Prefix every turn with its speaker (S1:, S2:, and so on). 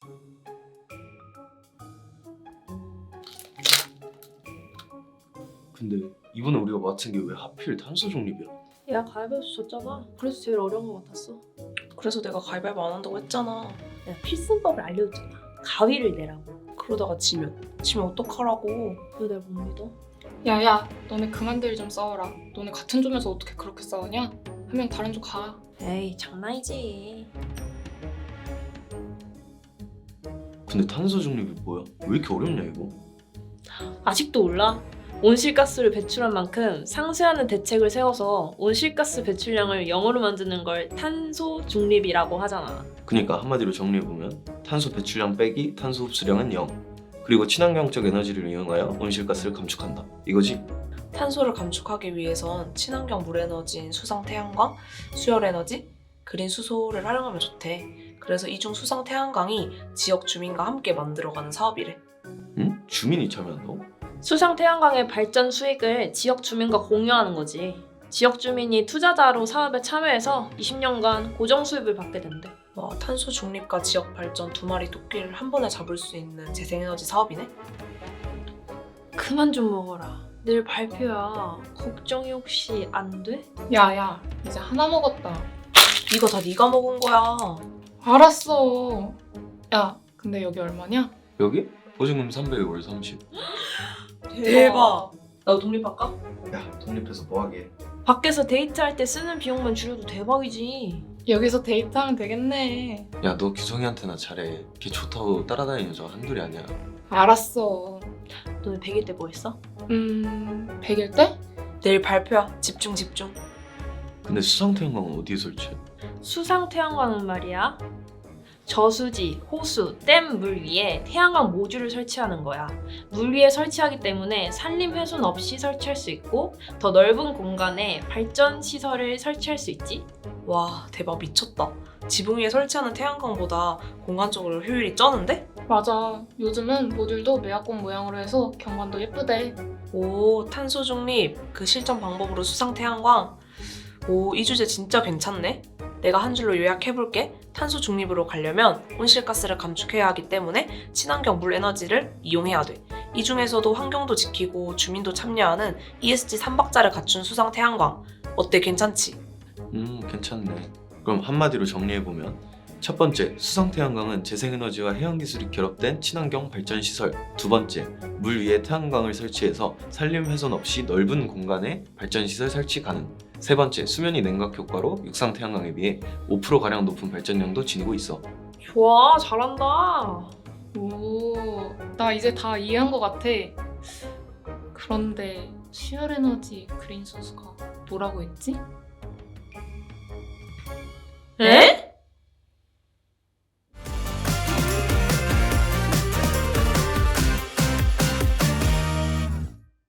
S1: 근데 이번에 우리가 맡은 게 왜 하필 탄소 중립이야?
S2: 야, 가위바위보 졌잖아. 그래서 제일 어려운 것 같았어.
S3: 그래서 내가 가위바위보 안 한다고 했잖아.
S2: 내가 필승법을 알려줬잖아. 가위를 내라고.
S3: 그러다가 지면 어떡하라고.
S2: 왜 날 못 믿어?
S4: 야야, 너네 그만들 좀 싸워라. 너네 같은 조면서 어떻게 그렇게 싸우냐? 한 명 다른 조 가.
S2: 에이, 장난이지.
S1: 근데 탄소 중립이 뭐야? 왜 이렇게 어렵냐 이거?
S2: 아직도 몰라? 온실가스를 배출한 만큼 상쇄하는 대책을 세워서 온실가스 배출량을 0으로 만드는 걸 탄소 중립이라고 하잖아.
S1: 그러니까 한마디로 정리해보면 탄소 배출량 빼기 탄소 흡수량은 0. 그리고 친환경적 에너지를 이용하여 온실가스를 감축한다. 이거지?
S3: 탄소를 감축하기 위해선 친환경 물에너지인 수상 태양광, 수열 에너지, 그린 수소를 활용하면 좋대. 그래서 이중 수상 태양광이 지역 주민과 함께 만들어가는 사업이래.
S1: 응? 주민이 참여한다고?
S2: 수상 태양광의 발전 수익을 지역 주민과 공유하는 거지. 지역 주민이 투자자로 사업에 참여해서 20년간 고정 수입을 받게 된대.
S3: 와, 탄소 중립과 지역 발전 두 마리 토끼를 한 번에 잡을 수 있는 재생에너지 사업이네?
S2: 그만 좀 먹어라. 내일 발표야. 걱정이 혹시 안 돼?
S4: 야야, 이제 하나 먹었다.
S3: 이거 다 네가 먹은 거야.
S4: 알았어. 야, 근데 여기 얼마냐?
S1: 여기? 보증금 300에 월 30.
S3: 대박. 나도 독립할까?
S1: 야, 독립해서 뭐하게.
S2: 밖에서 데이트할 때 쓰는 비용만 줄여도 대박이지.
S4: 여기서 데이트하면 되겠네.
S1: 야, 너 규성이한테나 잘해. 걔 좋다고 따라다니는 여자 한둘이 아니야.
S4: 알았어.
S2: 너네 100일 때 뭐 했어?
S4: 100일 때?
S3: 내일 발표야. 집중.
S1: 근데 수상태양광은 어디에 설치해?
S2: 수상 태양광은 말이야. 저수지, 호수, 댐 물 위에 태양광 모듈을 설치하는 거야. 물 위에 설치하기 때문에 산림 훼손 없이 설치할 수 있고 더 넓은 공간에 발전 시설을 설치할 수 있지.
S3: 와, 대박 미쳤다. 지붕 위에 설치하는 태양광보다 공간적으로 효율이 쩌는데?
S4: 맞아. 요즘은 모듈도 매화꽃 모양으로 해서 경관도 예쁘대.
S3: 오, 탄소 중립. 그 실전 방법으로 수상 태양광. 오, 이 주제 진짜 괜찮네. 내가 한 줄로 요약해볼게. 탄소 중립으로 가려면 온실가스를 감축해야 하기 때문에 친환경 물 에너지를 이용해야 돼. 이 중에서도 환경도 지키고 주민도 참여하는 ESG 3박자를 갖춘 수상 태양광. 어때, 괜찮지?
S1: 괜찮네. 그럼 한마디로 정리해보면 첫 번째, 수상태양광은 재생에너지와 해양기술이 결합된 친환경 발전시설. 두 번째, 물 위에 태양광을 설치해서 산림 훼손 없이 넓은 공간에 발전시설 설치 가능. 세 번째, 수면이 냉각 효과로 육상태양광에 비해 5%가량 높은 발전량도 지니고 있어.
S2: 좋아, 잘한다.
S4: 오, 나 이제 다 이해한 것 같아. 그런데 수열 에너지 그린 수소가 뭐라고 했지?
S2: 에?